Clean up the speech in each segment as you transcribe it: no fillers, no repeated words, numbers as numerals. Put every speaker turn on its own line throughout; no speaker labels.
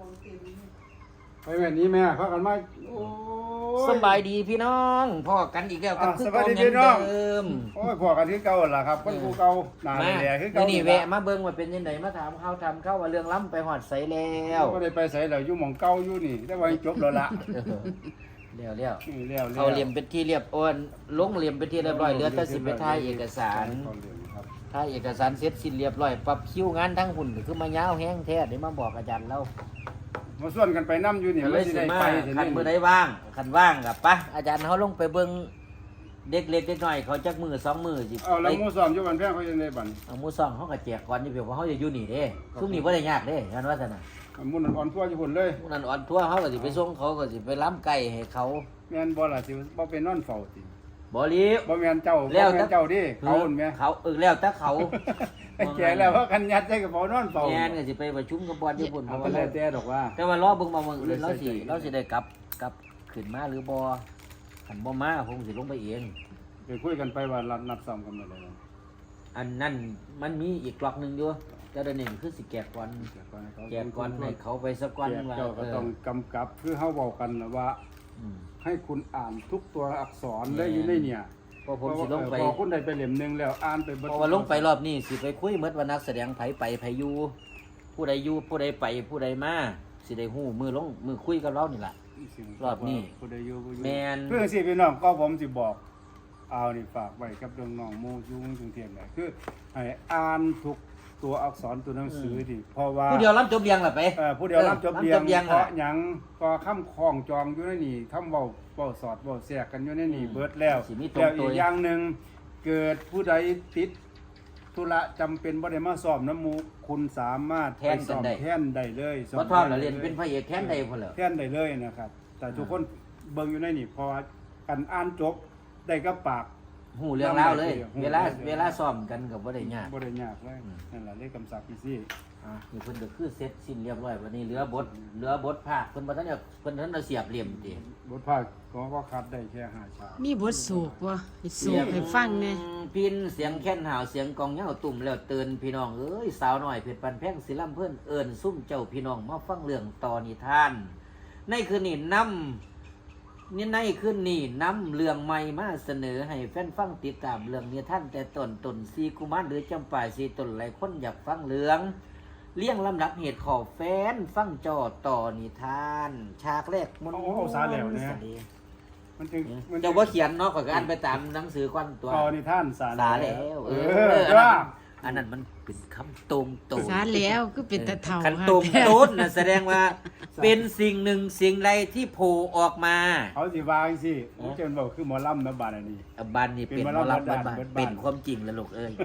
ไปแบบนี้แม่พักกันมาโอ้ย
สบายดีพี่น้องพ่อกันอีกแล้วกับคือ
สบาย
เก่า
ดี
เหมื
พี่
อน
น้อง
เดิม
โอ้ยพอกันที่เก่าล่ะครับคนกูเก่าหนา
มา
แหล่คือ
เดี๋ย
เก่าว
นี้แวะมาเบิ่งว่าเป็นยังไงมาถามข้าวทำข้าวว่าเรื่องล้ำไปหอดใสแล้ว
ก็ได้ไปใส่แล้วอยู่หม่องเก่าอยู่นี่แต่ว่าจบแล้วล่ะ
เดี๋ยวเดี๋ยว
แล้ว
เขาเหลี่ยมเป็นที่เรียบโอนลงเหลี่ยมเป็นที่เรียบร้อยเหลือแต่สิไปถ่ายเอกสาร
เขาเหลี่ยมครับ
ถ่ายเอกสารเสร็จสิ้นเรียบร้อยปรับคิวงานทั้งหุ่นก็คือมายาวแห้งแท้เดี๋ยวมาบอกอาจารย์เรา
มาส่วนกันไปน้ำอยู่นี่
ก็เลย
สิ
สิ
ได้
มา
ไป
คันมือได้ว่างคันว่างกับปะอาจารย์เขาลงไปเบิ่งเด็กเล็กเด็กน้อยเขาจักมือสองมือสิ
เอาแล้ว
ไป
หมู่ซ้อมอยู่บ้านแพงเขายังได้บัน
เอาหมูซองเขาก็แจกก่อนอยู่เพียงว่าเขาจะอยู่นี่เด้ซุ่มนี่บ่ได้ยากเด้กันว่าซั่นน่ะ
หมุ่นอ่อนทั่วอยู่พุ่นเลย
หมู่นั้นอ่อนทั่วเขาก็สิไปส่งเขาก็สิไปล้ำไก่ให้เขา
แม่นบ่ล่ะสิบ่เป็นนอนเฝ้าติ
บ่รีบ
บ่แม่นเจ้าบ่
แล้ว
แม่นเจ้าดิเขาหุ่นแม่
เขาแล้วแต่เขา
แก่แล้วว่ากันยัดใส่กระเป๋านอนเฝ้า
แม่นก็สิไปประชุมกับบอลญี่ปุ่นเพ
เอา
ราะ
ก็
ว่า
แล้วแต่ดอกว่า
แต่ว่ารอเบิ่งมาเมืองอื่นเราสิได้กลับขึ้นมาหรือบ่คันบ่มาผมสิลงไปเอง
ไปคุยกันไปว่านัดซ้อมกันเมื่อไหร่
อันนั้นมันมีอีกกลอกหนึงอยู่แต่เดี๋ยวนี้คือสิแจกก่อนแจกก่อนให้เขาไปสักก่อนว่า
เจ้าก็ต้องกำกับคือเฮาเว้ากันน่ะว่า
อืม
ให้คุณอ่านทุกตัวอักษรเลยอยู่ในเนี่ย
เพราะผมสิลงไป
พอคุณได้ไปเล่มหนึงแล้วอ่านไปเบิด
เพราะว่าลงไปรอบนี้สิไปคุยเมดว่านักแสดงไผไปไผอยู่ผู้ใดอยู่ผู้ใดไปผู้ใดมาสิได้ฮู้มือลงมือคุยกับเรานี่ล่ะ รอบนี้
ผู้ใดอยู่ผู้อยู่
แม่น
เพื่อสิพี่น้องก็ผมสิบอกเอานี่ฝากไว้กับน้องๆหมู่อยู่กรุงเทพนี่คือให้อ่านทุกตัวอักษรตัวหนังสือดิเพราะว่า
ผู้เดียวรับจบเรียงล่ะไป
ผู้เดียวรับจบเรียง
รับจบเรียง
เพราะ
น่ะ
หยังก็คำคล้องจองอยู่ในนี่คำเว้าสอดเว้าแทรกกันอยู่ในนี่เบิดแล้ว
สิมีตรง
แล้ว
ตั
อี
ว
กอย่างหนึงเกิดผู้ใดติดธุระจำเป็นบ่ได้มาสอบน้ำหมูคุณสามารถไปสอบแทนได้เลยส
บ่ทอดแล้วเรียนเป็นพระเอกแค้นใดพุ่นแล้ว
แทนได้เลยนะครับ แต่ทุกคนเบิ่งอยู่ในนี่เพอกันอ่านจบได้กับปาก
ฮู้เรื่องราวเลย
ฮู้
เวลาซ้อมกันก็บ่ได้ยาก
บ่ได้ยากเลยนั่นล่ะเลขคำศัพท์พี่ซี่
นี่เพิ่นก็คือเสร็จสิ้นเรียบร้อยวันนี้เหลือบทภาคเพิ่นบ่ทันได้เพิ่นทันได้เสียบเหลี่ยมติ
บทภาคก็คัดได้แค่5ฉาก
มีบทสูกบ่ให้สูกให้ฟังแหน่
พินเสียงแค้นหาวเสียงกองเหย้าตุ่มแล้วเตือนพี่น้องเอ้ยสาวน้อยเพชรปันแพงศิลำเพิ่นเอิ้นซุ่มเจ้าพี่น้องมาฟังเรื่องต่อนิทาน ในคืนนี้ในคืนนี้นำเรื่องใหม่มาเสนอให้แฟนฟังติดตามเรื่องนิทานแต่ต้นสีกุมารหรือจำปาสีต้นหลายคนอยากฟังเรื่องเลี้ยงลำดับเหตุขอแฟนฟังจอต่อนิทานฉากแรกมัน
เอาสาแล้วเนี่ย มันจึงมัน
เจ้าว่าเขียนเนาะก็อ่านไปตามหนังสือก่อนตัว
ต่อนิทานสา
สาแล้วอันนั้นมันเป็นคำตรงโต
สาแล้วคือเป็นตะเฒ่า
คัน
ค่ะ
ตรงโต๊ดนะแสดงว่าเป็นสิ่งหนึ่งสิ่งใดที่โผล่ออกมา
เขาสิวางสิผมจะบอกคือหมอลำนะบาดอันนี้
บ้านนี่เป็น
เป็น
หมอ
วรรณ
ลำบ้าน
บ้าน
เป็นความจริงแล้วลูกเอ้ย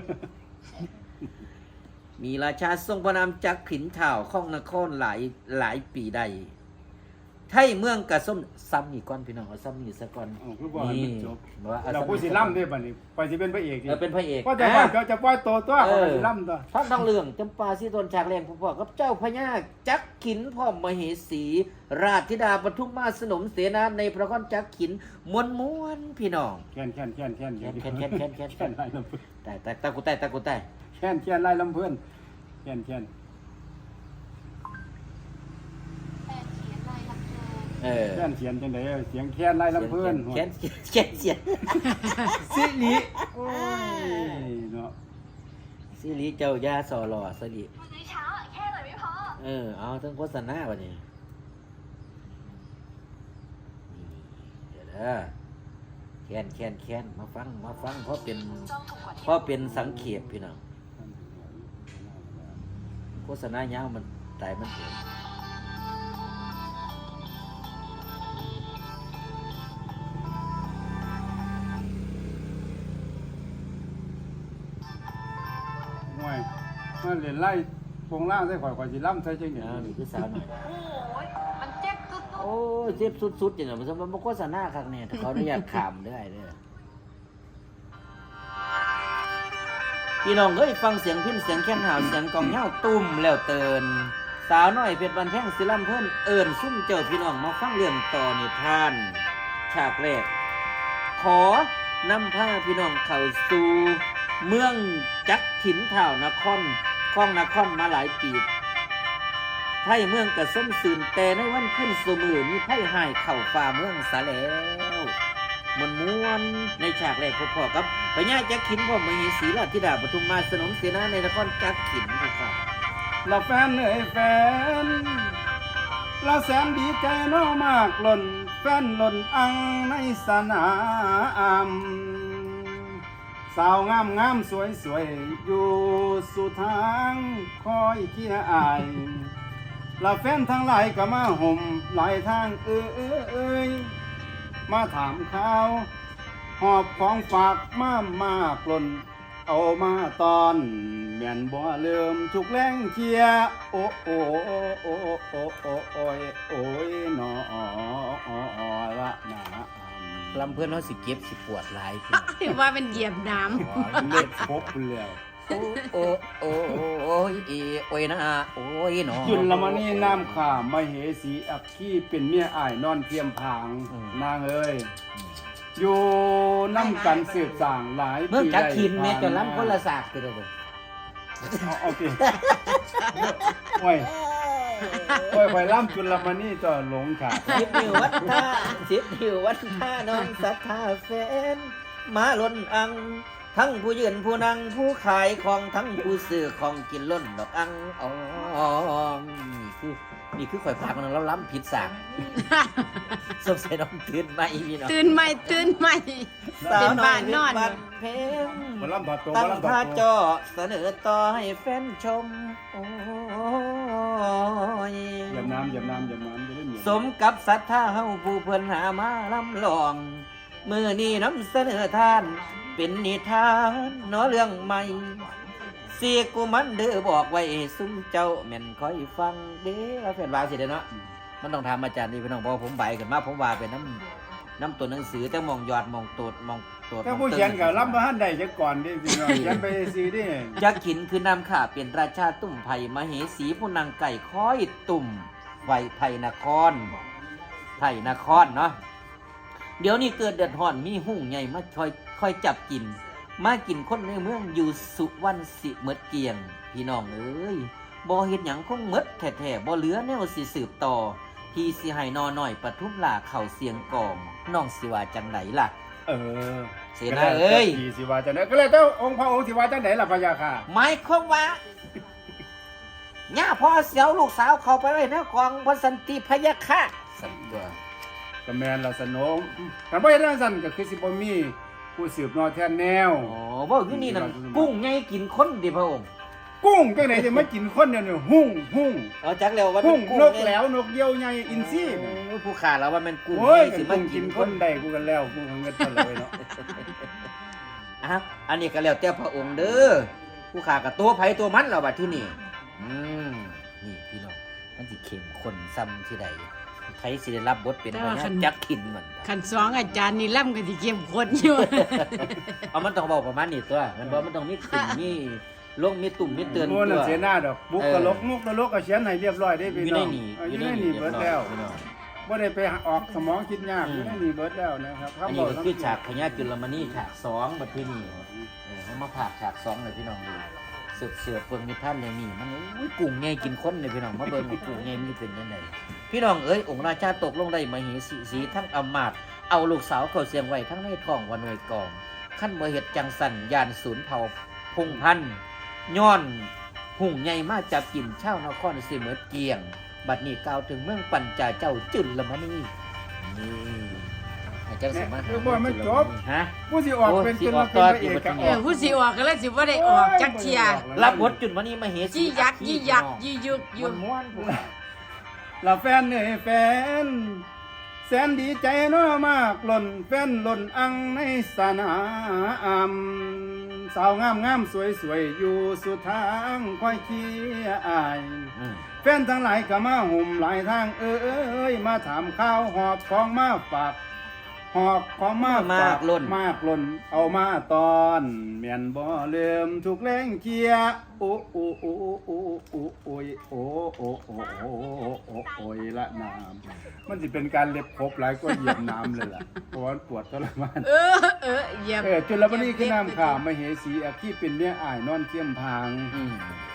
มีราชาทรงพระนามจักขินเถ่าข้องนครหลายปีใดไทยเมืองกระส้มซ้ำนี่ก่อนพี่น้องเอาซ้ำนี่ซะก่อน
คือบอกให้มันจบ
ว่าอ
เรา
ซ้ำ
พูดสิล่ำด้วยบัดนี้ไปสิเป็นพระเอก
เออเป็นพระเอก
ก็จะว่าจะปล่อยตัวตัวเขาสิล่ำตัว
ท่านทองเรื่องจำปาสีตนฉากแรงพ่อๆกับเจ้าพญาจักขินพ่อมเหสี ราชธิดาปทุมมาสนมเสนาในพระก้อนจักขินมวนพี่น้อง
แค้นแค้นแค้นแค้น
แค้น
ไล่ลำเพื่อน
แต่ตะกูใต้
แค้นแค้นไล่ลำเพื่อนแค้นแค้น
เออ
แค้นเสียงจังไดเสียงแค้นไล่ลำเพื่อน
แค้นเสีย
สิริโอ้ยเนาะ
สิริเจ้ายาสอหล่อสิริ
มื้อเช้าอะแค่หน่อยไม่พอ
เอาทั้งโฆษณาวันนี้เดี๋ยวแค้นมาฟังเพราะเป็นสังเขปพี่น้องโฆษณายาวมันตายมันเอง
ห่วยมันเล่นไล่โปงล่างใส่ข่อยสิล่ำใส่จังได๋
นี่คือสาวหน่อย
โอ้ยมันเจ็บสุด
โอ้ยเจ็บสุดๆอย่างเงี้ยมันโฆษณาครั้งนี้ถ้าเขาอนุญาตขามได้เด้อพี่น้องเอ้ยฟังเสียงพิ้นเสียงแค้นหาวเสียงกองเหย้าตุ้มแล้วเตือนสาวน้อยเพชรบันแพงศิลำเพิ่นเอิ้นซุ่มเจ้าพี่น้องมาฟังเรื่องต่อนิทาน ฉากแรก ขอนำพาพี่น้องเข้าสู่เมืองจักขินเท่านครคล้องนครมาหลายปีไทยเมืองกระส้มสื่นแต่ในวันขึ้นสมือมีไพ่หายเข่าฝ่าเมืองสาแล้วม้วนในฉากแรกพอๆกับพญาจักขินพ่อมเหสีราชธิดาปทุมมาสนมเสนาในนครจักขินค่ะ
ละแฟนเอ้ยแฟนละแสนดีใจน้อมากหล่นแฟนหล่นอังในสนามสาวงามงามสวยสวยอยู่สุทางคอยเคียอายละแฟนทั้งหลายก็มาห่มหลายทางมาถามข่าวหอบของฝากมากหล่นเอามาตอนแม่นบ่เริ่มทุกแรงเคียโอ้โอ้โอ้โอ้โอ้โอ้ยโอ้ยนอละนะ
ลำเพื่อนเขาสิเก็บสิปวดหลายพี่
ถือว่าเป็นเหยียบน้
เล็ดพบแล้ว
โอ้โอ้โอ้ยโอ้ยนะโอ้ยหนอ
จุลมณีน้ำข่ามเหสีอักขีเป็นเมียอ้ายนอนเทียมผางนางเอ้ยอยู่น้ำกันสืบสร้างหลายปี
เมืองจักขินแม่
ได้
จะล้ำคนละศาสตร์คือเด้อ
โอเคโอ้ยไปล่ำจุลมณีต่อหลงขาด
สิบนิ้ววัดท่าสิบนิ้ววัดท่าน้องศรัทธาแฟนมาล้นอัง ทั้งผู้ยืนผู้นั่งผู้ขายของทั้งผู้ซื้อของกินล้นดอกอังอ๋อนี่คือข่อยพากันแล้วล้ำผิดสากสงสัยน้องตื่นมาอีพี่น้อง
ำตื่นใหม่เป็นบ้านนอน
บ้านเพง
มาล่ำผัดโต
ตั้
มาง ล่ำผั
ท่า
ดโต
จอเสนอต่อให้แฟนชมโอ้ย
เหยียบน้ำจะได้เหนียว
สมกับศรัทธาเฮาผู้เพิ่นหามาลำลองมือนี้นำเสนอท่าน เป็นนิทานเนาะเรื่องใหม่เสียกูมันเด้อบอกไว้ซุ้มเจ้าแม่นคอยฟังเด้อแล้วแฟนว่าสิเด้อเนาะมันต้องทำอาจารย์นี่พี่น้องบอกผมใบกันมาผมว่าเป็นน้ำตัวหนังสือแต่มองยอดมองโตดมองโตด
ถ้าผู้เขียนกับล่ำมาหันใดจะก่อนดิพี่น้องเขียนไปซีดิ
ยักษ์ขินคือนำข่าเป็นราชาตุ่มไผ่มเหสีผู้นางไก่ค้อยตุ่มไผ่ไผ่นครเนาะเดี๋ยวนี้เกิดเดือดร้อนมีหุ่งใหญ่มาคอยจับกิน มากินคนในเมืองอยู่สุวรรณสิเมดเกียง พี่น้องเอ้ยบ่เฮ็ดหยังคงเมดแท้ๆบ่เหลือแนวสิสืบต่อพี่สิให้นอหน่อยปทุมลาเข้าเสียงกองน้องสิว่าจังไดล่ะ เสนาเอ้ย
พี่สิว่าจังไหนก็เลยเจ้าองค์พระองค์สิว่าจังไหนล่ะพะยาค่ะ
หมายความว่าย่าพ่อเสียวลูกสาวเข้าไปไว้ในกองบนสันติพยาค่ะสันตัว
ก็แม่นละสนมกันบ่เฮ็ดจังซั่นก็คือสิบ่มีผู้สืบนอแทนแนว
อ๋อบ่อยู่นี่นั่นกุ้งไงกินคนดิพระองค์
กุ้งจังไหนจะมากินคนเดียวนี่หุ่ง
เอาจักแล้วว่า
หุ่ง
กุ้ง
นกแล้วนกเหยี่ยวใหญ่อินทรี
โอ้ยผู้ขาแล้วว่ามันกุ้ง
โอ้ย
สิ
มั
มาน
กิ
กิ
น
น
ค
คน น
ได้กูกันแล้วกูเอาเงินไปเลยเนาะ
อ่ะอันนี้ก็แล้วแต่พระองค์เด้อผู้ขากับตัวไผตัวมันแล้วบัดที่นี่นี่พี่น้องมันสิเข้มข้นซ้ำที่ใดไผสิได้รับบทเป็นพญาจักขินเหมือนกัน
ขันสองอาจารย์นี่ล่ำกันที่เก็บคนอยู่
เอามันต้องบอกประมาณนี้ตัวมันบอกมันต้องมีขึ้นมีลงมีตุ่มมีเตือน
โน่น
ตั
น่ะ
ว
เสียหน้าดอกมุกตลกก็เขียนให้เรียบร้อยได้
อ
พี่
ยู่
น้
ใน
อง
นี่
อยู่ในนี่เบิดแล้ว
พี่น้อง
บ่ได้ไปออกสมองคิดยากอยู่ในนี่เบิดแล้วนะครับ
อันนี้ก็คือฉากพญาจุลมณีฉากสองบัดที่นี่เขามาผากฉากสองเลยพี่น้องดูเสือเฟิงมีท่านอย่างนี้มันอุ้ยกุ้งไงกินคนเลยพี่น้องมาเบิ่งว่ากุ้งไงมันเป็นยังไงพี่น้องเอ้ยองค์ราชาตกลงได้มเหสีทั้งอำมาตย์เอาลูกสาวเขาเสียงไว้ทั้งในท้องวันหน่วยกองขั้นบ่เฮ็ดจังสันยานศูนย์เผ่าพงพันธุ์ย้อนหุ่งใหญ่มาจับกินชาวนครสิเหมือเกียง บัดนี้กล่าวถึงเมืองปัญจาเจ้าจุลมณีนี่ให้เจ้าสามารถฮะ
ผู้สิออกเป็นจุลเป็นพระเอกกับออก
ผู้สิออกก็เลยสิว่าได้ออกจักเทีย
รับบทจุลมณีมเหสี
ยี่ยักยี่ยักยี่ยุกยุก
ม้วนๆพวกเรา
ละแฟนเอ้ยแฟนแสนดีใจน้อมากหล่นแฟนหล่นอังในสนามสาวงามงามสวยสวยอยู่สุดทางค่อยเคียอาย แฟนทั้งหลายก็มาห่มหลายทางเอ้ยมาถามข้าวหอบของมาฝากหอบของมาฝากมากล้นเอามาตอนเมียนบ่เริ่มทุกแรงเคียโอ้โอ้โอ้โอ้โอ้โอ้ยโอ้โอ้โอ้โอ้โอ้โอ้ยละน้ำมันจะเป็นการเล็บครบหลายก็เหยียบน้ำเลยล่ะเพราะว่าปวดทรมาน
เหยียบ
จุลมณีคือน้ำข่าวมเหสีอาคีเป็นเมียอ้ายนอนเทียมพาง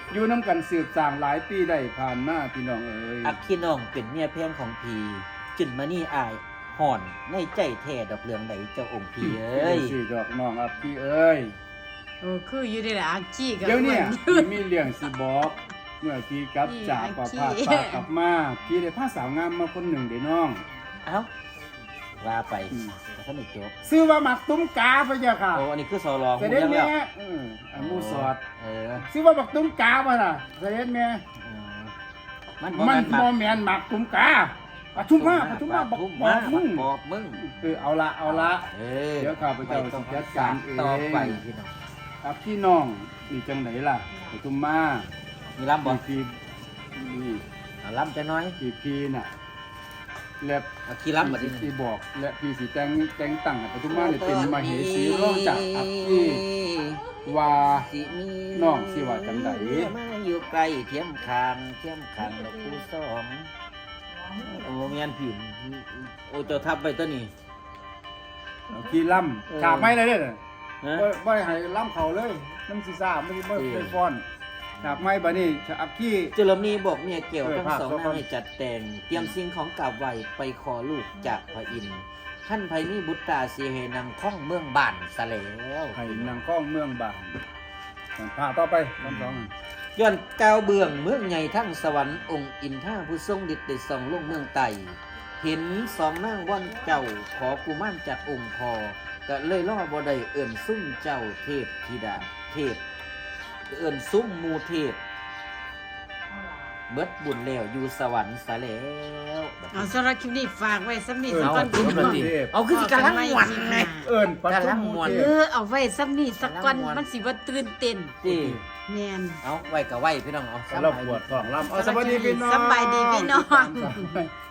อยู่น้ำกันสืบสร้างหลายปีได้ผ่านมาพี่น้องเอ้ย
อักขี้น้องเป็นเมียแพงของพีจุนมานี่อายห่อนในใจแท้ดอกเรืองใดเจ้าองค์พีเอ้ย
สิดอกน้องอับพี่เอ้ย
โอ้คืออยู่ได้ล่ะอากี้กับ
เดี๋ยวเนี้
อ้วน
มีเรื่องสิบอก เมื่อพี่กลับจากป่าพาดป่ากลับมาพี่ได้พาสาวงามมาคนหนึ่งเด้น้อง
เอ้าว่าไปแต่ท่านไม่จบ
ซื้อว่าหมักตุ้มกาพะเจ้าค่ะ
โอ้อันนี้คือสอรอง
เสด็จ
แล้
แม่
ว
อันมูสอด
เออ
ซื้อว่าหมักตุ้มกาป่ะล่ะเสด็จแม่
มัน
มัน
บ่
บ่แม่นหมักตุ้มกาปทุมมาบอก
ทุ่ม
บ
มา
อกมึง
บอกมึง
เอาละ
เออ
เดี๋ยวข้าพเจ้า
ไม่ต้อง
สิจัดการเอง
ต่อไปพี่น้อง
ครับพี่น้องนี่จังไหนล่ะปทุมมา
มีลำบ่
พี่นี่
เอาลำจะน้อย
พี่น่ะและ
เอาขี้ลำมาดิ
ที่บอกและพี่สีแต่งตั้งให้ปทุมมาเนี่ยเป็นมเหสีรองจากอักที่ว่า
สิมี
น้องสิว่าจังใด
มาอยู่ใกล้เทียมคางแล้วผู้สองโอ้เมียนผิวโอ้เจ้าทับไปตัวนี้
เอาขี้ล่ำฉาบไม่เลยเด้อ
ฮะ
บ่ให้ล่ำเขาเลยน้ำซีซ่าไม่ได้เคยฟ้อนฉาบไม่บัดนี้ฉาบขี้
เจรมีบอกเมียเกี่ยว
เออ
ทั้ง
ภาพ
สอง
ก็
นางให้จัดแต่ง เตรียมสิ่งของกราบไหวไปขอลูกจากพระอินทร์ท่านไพมีบุตรตาสีเฮนำข้องเมืองบ้านสะแล้ว
ให้นางข้องเมืองบางพาต่อไปคำสอง
ย้อนก้าวเบื้องเมืองใหญ่ทั้งสวรรค์องค์อินท่าผู้ทรงฤทธิ์ได้ส่องลงเมืองไต่เห็นสองนางว่อนเจ้าขอกุมารจากองค์พอก็เลยล่อบ่ได้เอิ่นซุ่มเจ้าเทพธิดาเทพเอิ่นซุ่มหมูเทพเบิดบุญแล้วอยู่สวรรค์ซะแล้ว
เอาสำหรับคลิปนี้ฝากไว้สำนี้
เออ
สัก
เอา
วัน
คุณ
พี่
ป
น้อง
ฏิเอาคือสิกำลังหวันไง
เอิญปัทุม
กำลังม่วน
เท
เอ
พ
อเอาไว้สำนี้สักวันมันสิบ่ตื่นเต้น
ที่
แม่น
เอาไว้กับไว้พี่น้องเอา
เราปวดท้องลำเอาสวัสดีพี่น้อง
สบายดีพี่น้อง
สบาย